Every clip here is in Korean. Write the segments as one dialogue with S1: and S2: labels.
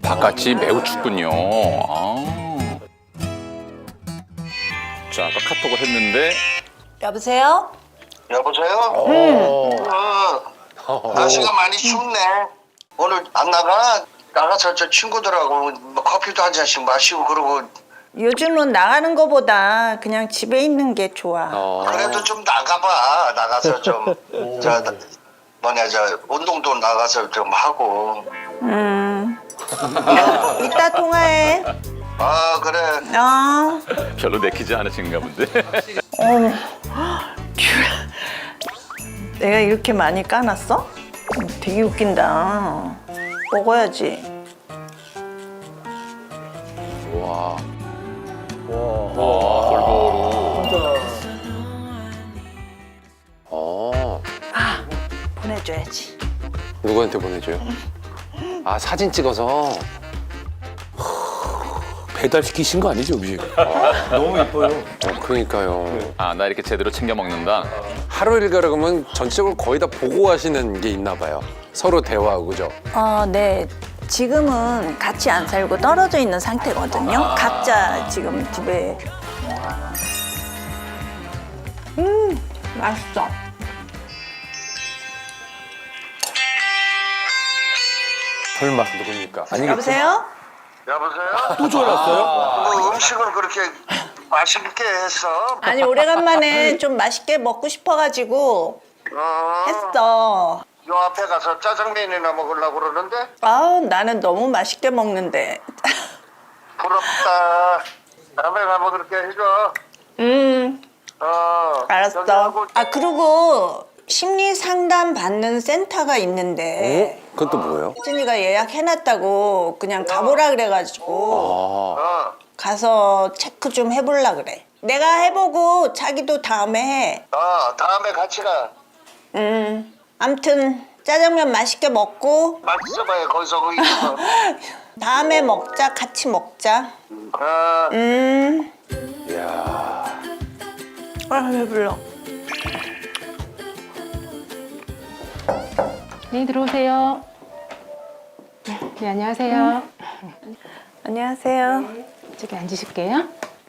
S1: 바깥이 매우 춥군요. 자, 아까 카톡을 했는데
S2: 여보세요?
S3: 여보세요? 날씨가 많이 춥네. 오늘 안 나가? 나가서 저 친구들하고 뭐 커피도 한 잔씩 마시고 그러고.
S2: 요즘은 나가는 거보다 그냥 집에 있는 게 좋아.
S3: 그래도 좀 나가봐. 나가서 좀 저 운동도 나가서 좀 하고.
S2: 이따 통화해.
S3: 아 그래.
S1: 별로 내키지 않으신가 본데.
S2: 내가 이렇게 많이 까놨어? 되게 웃긴다. 먹어야지.
S1: 와. 골고루.
S2: 보내줘야지.
S4: 누구한테 보내줘요? 아, 사진 찍어서.
S5: 배달시키신 거 아니죠, 음식?
S6: 너무 예뻐요.
S4: 그러니까요.
S1: 아, 나 이렇게 제대로 챙겨 먹는다.
S4: 하루 일과를 그러면 전체적으로 거의 다 보고 하시는 게 있나 봐요. 서로 대화하고, 그죠?
S2: 네. 지금은 같이 안 살고 떨어져 있는 상태거든요. 각자 지금 집에. 맛있어.
S4: 설마 누굽니까?
S2: 여보세요?
S3: 여보세요?
S5: 또 전화 왔어요?
S3: 뭐 음식을 그렇게 맛있게 했어?
S2: 아니 오래간만에 좀 맛있게 먹고 싶어가지고 했어.
S3: 요 앞에 가서 짜장면이나 먹으려고 그러는데
S2: 나는 너무 맛있게 먹는데.
S3: 부럽다. 다음에 가면 그렇게 해줘. 저기
S2: 알았어.
S3: 하고
S2: 그리고 심리 상담 받는 센터가 있는데
S4: 그건 또 뭐예요?
S2: 혜진이가 예약해놨다고 그냥 가보라 그래가지고 가서 체크 좀 해보려 그래. 내가 해보고 자기도 다음에 해.
S3: 다음에 같이 가.
S2: 암튼 짜장면 맛있게 먹고
S3: 맛있어봐요. 거기서 거기 있어.
S2: 다음에 먹자. 같이 먹자.
S4: 이야.
S2: 배불러.
S7: 네, 들어오세요. 네, 안녕하세요.
S2: 안녕하세요.
S7: 저기 앉으실게요.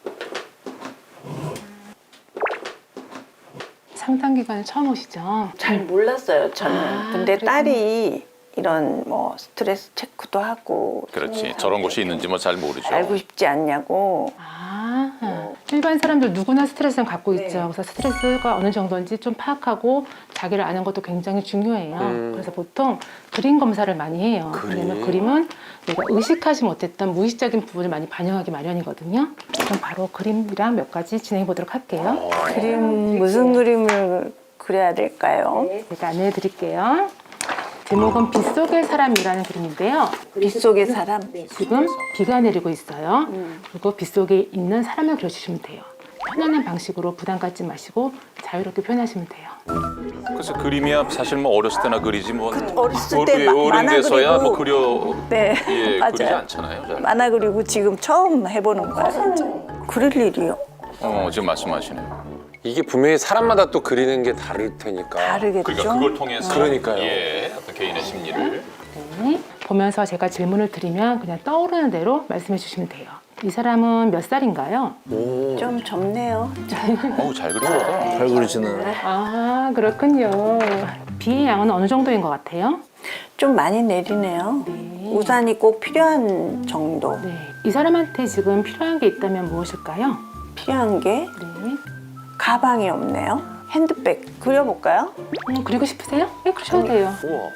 S7: 상담 기간에 처음 오시죠?
S2: 잘 몰랐어요, 저는. 근데
S7: 그랬구나.
S2: 딸이 이런 뭐 스트레스 체크도 하고
S1: 그렇지. 저런 곳이 있는지 뭐 잘 모르죠.
S2: 알고 싶지 않냐고.
S7: 일반 사람들 누구나 스트레스는 갖고 있죠. 그래서 스트레스가 어느 정도인지 좀 파악하고 자기를 아는 것도 굉장히 중요해요. 그래서 보통 그림 검사를 많이 해요. 왜냐면 그림은 내가 의식하지 못했던 무의식적인 부분을 많이 반영하기 마련이거든요. 그럼 바로 그림이랑 몇 가지 진행해 보도록 할게요.
S2: 그림 무슨 그림을 그려야 될까요?
S7: 제가 안내해 드릴게요. 제목은 빗속의 사람이라는 그림인데요.
S2: 빗속의 사람.
S7: 지금 비가 내리고 있어요. 그리고 빗속에 있는 사람을 그려주시면 돼요. 편안한 방식으로 부담 갖지 마시고 자유롭게 표현하시면 돼요.
S1: 그래서 그림이야 사실 뭐 어렸을 때나 그리지 뭐
S2: 어렸을 때
S1: 어른
S2: 만화
S1: 돼서야 뭐
S2: 그리고.
S1: 그려
S2: 네,
S1: 그리지
S2: 맞아요.
S1: 않잖아요. 잘.
S2: 만화 그리고 지금 처음 해보는 거야, 진짜. 그릴 일이요?
S1: 지금 말씀하시네요.
S4: 이게 분명히 사람마다 또 그리는 게 다를 테니까.
S2: 다르겠죠?
S1: 그러니까 그걸 통해서
S4: 그러니까요.
S1: 어떤 개인의 심리를
S7: 네. 보면서 제가 질문을 드리면 그냥 떠오르는 대로 말씀해 주시면 돼요. 이 사람은 몇 살인가요?
S2: 좀 젊네요.
S1: 잘 그리셨다.
S5: 잘 그리시네.
S7: 그렇군요. 비의 양은 어느 정도인 것 같아요?
S2: 좀 많이 내리네요. 우산이 꼭 필요한 정도.
S7: 네. 이 사람한테 지금 필요한 게 있다면 무엇일까요?
S2: 필요한 게
S7: 네.
S2: 가방이 없네요. 핸드백 그려볼까요?
S7: 그리고 싶으세요? 네, 그러셔도 돼요.
S4: 우와.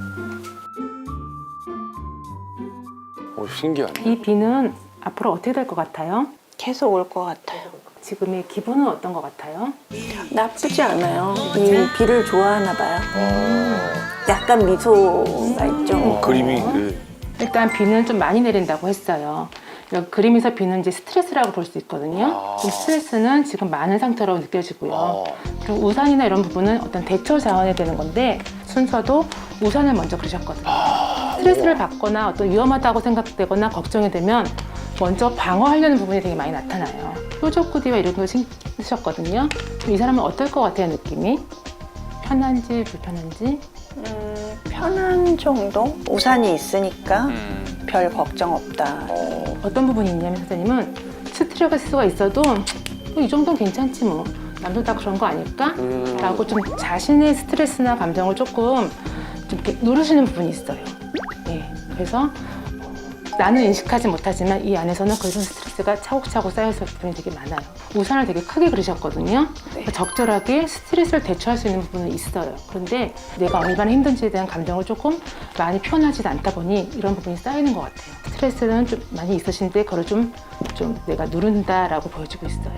S4: 신기하네.
S7: 이 비는 앞으로 어떻게 될 것 같아요?
S2: 계속 올 것 같아요.
S7: 지금의 기분은 어떤 것 같아요?
S2: 나쁘지 않아요. 이 비를 좋아하나 봐요. 약간 미소가 있죠.
S5: 그림이
S7: 일단 비는 좀 많이 내린다고 했어요. 그림에서 비는 이제 스트레스라고 볼 수 있거든요. 좀 스트레스는 지금 많은 상태로 느껴지고요. 그리고 우산이나 이런 부분은 어떤 대처 자원이 되는 건데 순서도 우산을 먼저 그리셨거든요. 스트레스를 받거나 어떤 위험하다고 생각되거나 걱정이 되면 먼저 방어하려는 부분이 되게 많이 나타나요. 뾰족 후디와 이런 걸 신으셨거든요. 이 사람은 어떨 것 같아요, 느낌이? 편한지 불편한지?
S2: 편한 정도? 우산이 있으니까 별 걱정 없다.
S7: 어떤 부분이 있냐면 선생님은 스트레스가 있어도 이 정도는 괜찮지 뭐 남들 다 그런 거 아닐까? 라고 좀 자신의 스트레스나 감정을 조금 좀 이렇게 누르시는 부분이 있어요. 예, 그래서 나는 인식하지 못하지만 이 안에서는 그런 스트레스가 차곡차곡 쌓여있을 부분이 되게 많아요. 우산을 되게 크게 그리셨거든요. 그러니까 적절하게 스트레스를 대처할 수 있는 부분은 있어요. 그런데 내가 얼마나 힘든지에 대한 감정을 조금 많이 표현하지 않다 보니 이런 부분이 쌓이는 것 같아요. 스트레스는 좀 많이 있으신데 그걸 좀 내가 누른다라고 보여지고 있어요.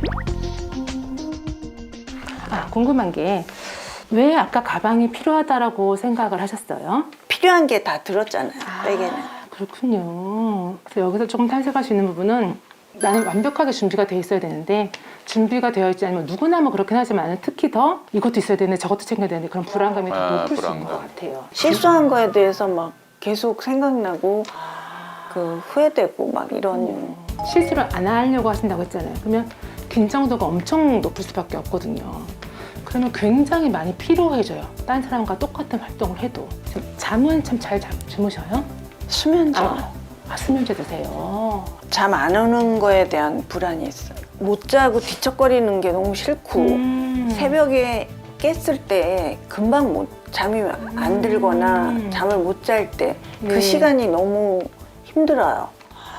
S7: 궁금한 게 왜 아까 가방이 필요하다라고 생각을 하셨어요?
S2: 필요한 게 다 들었잖아요. 베개는.
S7: 그렇군요. 그래서 여기서 조금 탐색할 수 있는 부분은 나는 완벽하게 준비가 돼 있어야 되는데 준비가 되어 있지 않으면 누구나 뭐 그렇긴 하지만 특히 더 이것도 있어야 되는데 저것도 챙겨야 되는데 그런 불안감이 더 높을 수 있는 것 같아요.
S2: 실수한 거에 대해서 막 계속 생각나고 그 후회되고 막 이런.
S7: 실수를 안 하려고 하신다고 했잖아요. 그러면 긴장도가 엄청 높을 수밖에 없거든요. 그러면 굉장히 많이 피로해져요. 딴 사람과 똑같은 활동을 해도. 잠은 참 잘 주무셔요?
S2: 수면제.
S7: 수면제 드세요.
S2: 잠 안 오는 거에 대한 불안이 있어요. 못 자고 뒤척거리는 게 너무 싫고 새벽에 깼을 때 금방 잠이 안 들거나 잠을 못 잘 때 그
S7: 네.
S2: 시간이 너무 힘들어요.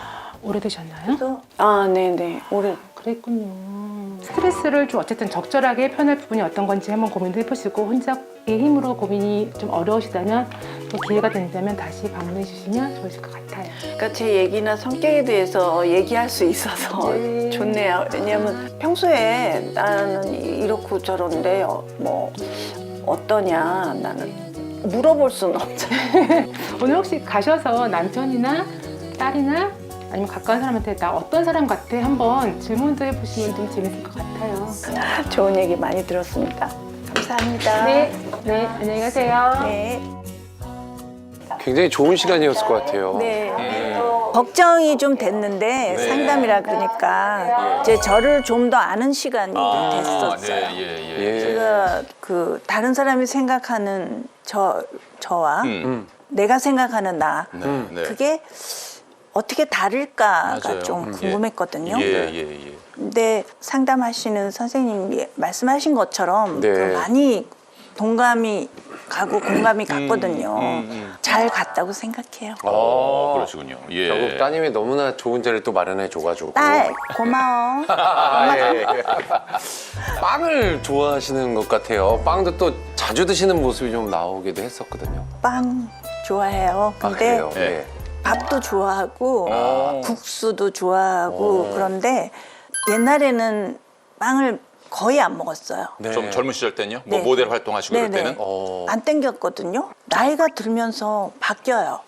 S7: 오래되셨나요?
S2: 네네.
S7: 그랬군요. 스트레스를 좀 어쨌든 적절하게 표현할 부분이 어떤 건지 한번 고민을 해보시고 혼자의 힘으로 고민이 좀 어려우시다면 또 기회가 된다면 다시 방문해 주시면 좋으실 것 같아요.
S2: 그러니까 제 얘기나 성격에 대해서 얘기할 수 있어서
S7: 네.
S2: 좋네요. 왜냐하면 평소에 나는 이렇고 저런데 뭐 어떠냐 나는 물어볼 수는 없잖아요.
S7: 오늘 혹시 가셔서 남편이나 딸이나 아니면 가까운 사람한테 나 어떤 사람 같아 한번 질문도 해보시면 좀 재밌을 것 같아요.
S2: 좋은 얘기 많이 들었습니다. 감사합니다.
S7: 네, 안녕히 가세요.
S2: 네.
S4: 굉장히 좋은 시간이었을 것 같아요.
S2: 네. 걱정이 좀 됐는데 상담이라 그러니까 이제 저를 좀 더 아는 시간이 됐었어요.
S4: 예.
S2: 제가 그 다른 사람이 생각하는 저와 내가 생각하는 나
S1: 네.
S2: 그게 어떻게 다를까가
S1: 맞아요.
S2: 좀 궁금했거든요.
S1: 예.
S2: 근데 상담하시는 선생님이 말씀하신 것처럼
S4: 네.
S2: 그 많이 동감이 가고 공감이 갔거든요. 잘 갔다고 생각해요.
S1: 그러시군요. 예.
S4: 결국 따님이 너무나 좋은 자리를 또 마련해 줘가지고.
S2: 딸 고마워.
S4: 예. 빵을 좋아하시는 것 같아요. 빵도 또 자주 드시는 모습이 좀 나오기도 했었거든요.
S2: 빵 좋아해요. 근데
S4: 그래요?
S1: 예.
S4: 예.
S2: 밥도 좋아하고 국수도 좋아하고 그런데 옛날에는 빵을 거의 안 먹었어요.
S4: 네.
S1: 좀 젊은 시절 때는요? 뭐
S2: 네.
S1: 모델 활동하시고 그럴
S2: 네네.
S1: 때는?
S2: 안 땡겼거든요. 나이가 들면서 바뀌어요.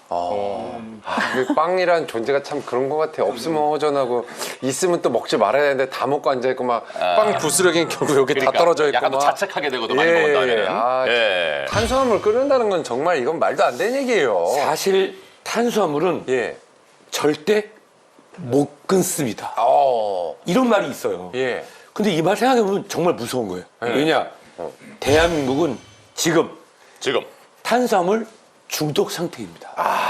S4: 그 빵이란 존재가 참 그런 것 같아요. 없으면 허전하고 있으면 또 먹지 말아야 되는데 다 먹고 앉아있고 막 빵 부스러기는 결국 여기 다 떨어져 있고
S1: 약간 또
S4: 막.
S1: 자책하게 되거든 많이 먹은 다음에는. 예.
S4: 탄수화물 끓는다는 건 정말 이건 말도 안 되는 얘기예요.
S5: 사실 탄수화물은
S4: 예.
S5: 절대 못 끊습니다.
S4: 어.
S5: 이런 말이 있어요.
S4: 예.
S5: 근데 이 말 생각해보면 정말 무서운 거예요. 왜냐? 대한민국은 지금 탄수화물 중독 상태입니다.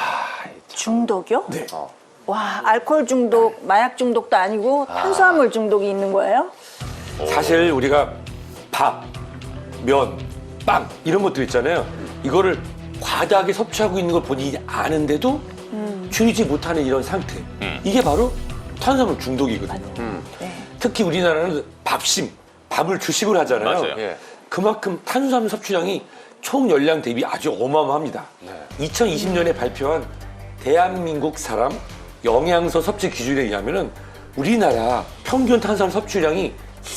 S2: 중독이요?
S5: 네.
S2: 와, 알코올 중독, 마약 중독도 아니고 탄수화물 중독이 있는 거예요?
S5: 사실 우리가 밥, 면, 빵 이런 것들 있잖아요. 이거를 과다하게 섭취하고 있는 걸 본인이 아는데도 줄이지 못하는 이런 상태. 이게 바로 탄수화물 중독이거든요.
S2: 네.
S5: 특히 우리나라는 밥을 주식으로 하잖아요.
S1: 맞아요.
S4: 예.
S5: 그만큼 탄수화물 섭취량이 총 열량 대비 아주 어마어마합니다. 2020년에 발표한 대한민국 사람 영양소 섭취 기준에 의하면은 우리나라 평균 탄수화물 섭취량이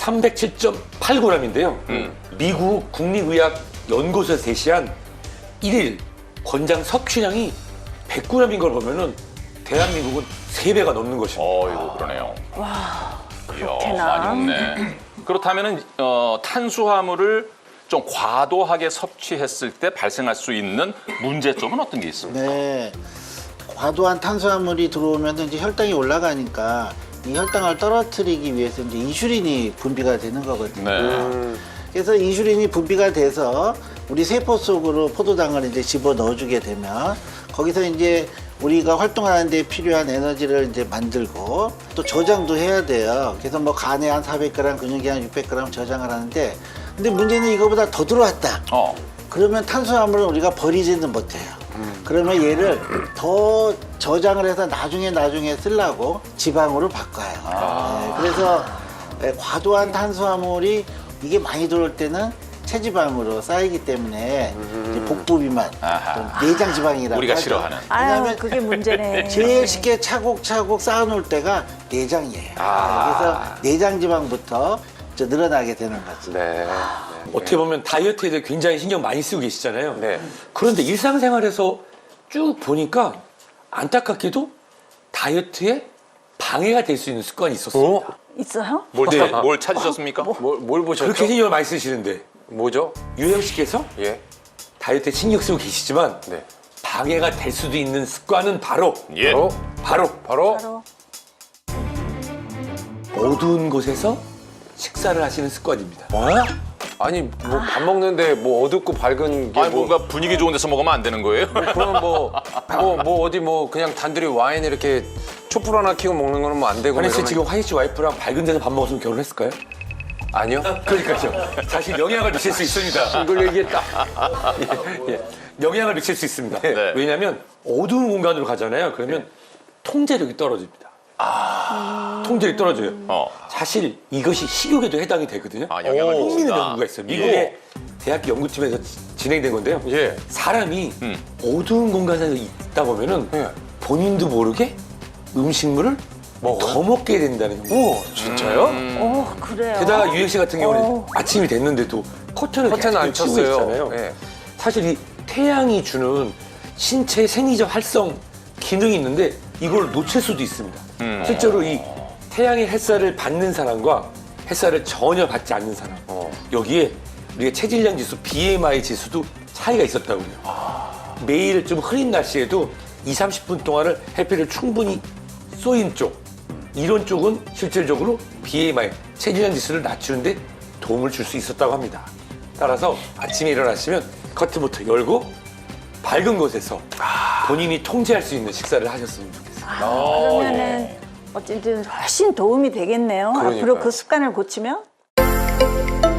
S5: 307.8g인데요. 미국 국립의학연구소에서 제시한 1일 권장 섭취량이 100g인 걸 보면은 대한민국은 3배가 넘는 것입니다.
S1: 이거 그러네요.
S2: 그렇구나.
S1: 많이 먹네. 그렇다면은 탄수화물을 좀 과도하게 섭취했을 때 발생할 수 있는 문제점은 어떤 게 있습니까?
S6: 네. 과도한 탄수화물이 들어오면 이제 혈당이 올라가니까 이 혈당을 떨어뜨리기 위해서 이제 인슐린이 분비가 되는 거거든요.
S1: 네.
S6: 그래서 인슐린이 분비가 돼서 우리 세포 속으로 포도당을 이제 집어 넣어주게 되면 거기서 이제 우리가 활동하는 데 필요한 에너지를 이제 만들고 또 저장도 해야 돼요. 그래서 뭐 간에 한 400g, 근육에 한 600g 저장을 하는데 근데 문제는 이거보다 더 들어왔다. 그러면 탄수화물을 우리가 버리지는 못해요. 그러면 얘를 더 저장을 해서 나중에 쓰려고 지방으로 바꿔요. 네, 그래서 과도한 탄수화물이 이게 많이 들어올 때는 체지방으로 쌓이기 때문에 이제 복부 비만, 또 내장 지방이라고
S1: 우리가
S6: 하죠.
S1: 싫어하는.
S2: 아유, 그게 문제네.
S6: 제일 쉽게 차곡차곡 쌓아놓을 때가 내장이에요. 그래서 내장 지방부터 좀 늘어나게 되는 거죠.
S4: 네.
S5: 어떻게 보면 다이어트에 대해 굉장히 신경 많이 쓰고 계시잖아요.
S4: 네.
S5: 그런데 일상생활에서 쭉 보니까 안타깝게도 다이어트에 방해가 될 수 있는 습관이 있었습니다.
S2: 있어요?
S1: 뭘 찾으셨습니까?
S4: 뭘 보셨죠?
S5: 그렇게 신경을 많이 쓰시는데
S4: 뭐죠?
S5: 유영 씨께서
S4: 예.
S5: 다이어트에 신경 쓰고 계시지만
S4: 네.
S5: 방해가 될 수도 있는 습관은 바로
S1: 예.
S5: 바로 어두운 곳에서 식사를 하시는 습관입니다.
S4: 아니 뭐 밥 먹는데 뭐 어둡고 밝은 게
S1: 아니
S4: 뭐,
S1: 뭔가 분위기 좋은 데서 먹으면 안 되는 거예요?
S4: 그러면 뭐 어디 뭐 그냥 단둘이 와인 이렇게 촛불 하나 켜고 먹는 거는 뭐 안 되고
S5: 환희 씨
S4: 이러면-
S5: 지금 환희 씨 와이프랑 밝은 데서 밥 먹었으면 결혼했을까요?
S4: 아니요.
S5: 그러니까요. 사실 영향을 미칠 수 있습니다.
S4: 이걸 얘기했다.
S5: 예, 영향을 미칠 수 있습니다.
S1: 네.
S5: 왜냐하면 어두운 공간으로 가잖아요. 그러면 통제력이 떨어집니다. 통제력이 떨어져요. 사실 이것이 식욕에도 해당이 되거든요.
S1: 영향을
S5: 흥미있는
S1: 미친다.
S5: 연구가 있어요. 미국의 대학 연구팀에서 진행된 건데요.
S4: 예.
S5: 사람이 어두운 공간에서 있다 보면은 본인도 모르게 음식물을 더 먹게 된다는 연구.
S4: 오, 진짜요?
S2: 그래요.
S5: 게다가 유행 씨 같은 경우는 아침이 됐는데도 커튼을
S4: 커튼 안
S5: 계속 치고
S4: 쳤어요.
S5: 있잖아요.
S4: 예.
S5: 사실 이 태양이 주는 신체 생리적 활성 기능이 있는데 이걸 놓칠 수도 있습니다. 실제로 이 태양의 햇살을 받는 사람과 햇살을 전혀 받지 않는 사람 여기에 우리가 체질량 지수 BMI 지수도 차이가 있었다고 해요. 매일 좀 흐린 날씨에도 20-30분 동안을 햇빛을 충분히 쏘인 쪽 이런 쪽은 실질적으로 BMI 체질량 지수를 낮추는데 도움을 줄 수 있었다고 합니다. 따라서 아침에 일어나시면 커튼부터 열고 밝은 곳에서 본인이 통제할 수 있는 식사를 하셨으면 좋겠어요.
S2: 그러면은 어쨌든 훨씬 도움이 되겠네요.
S4: 그러니까요.
S2: 앞으로 그 습관을 고치면.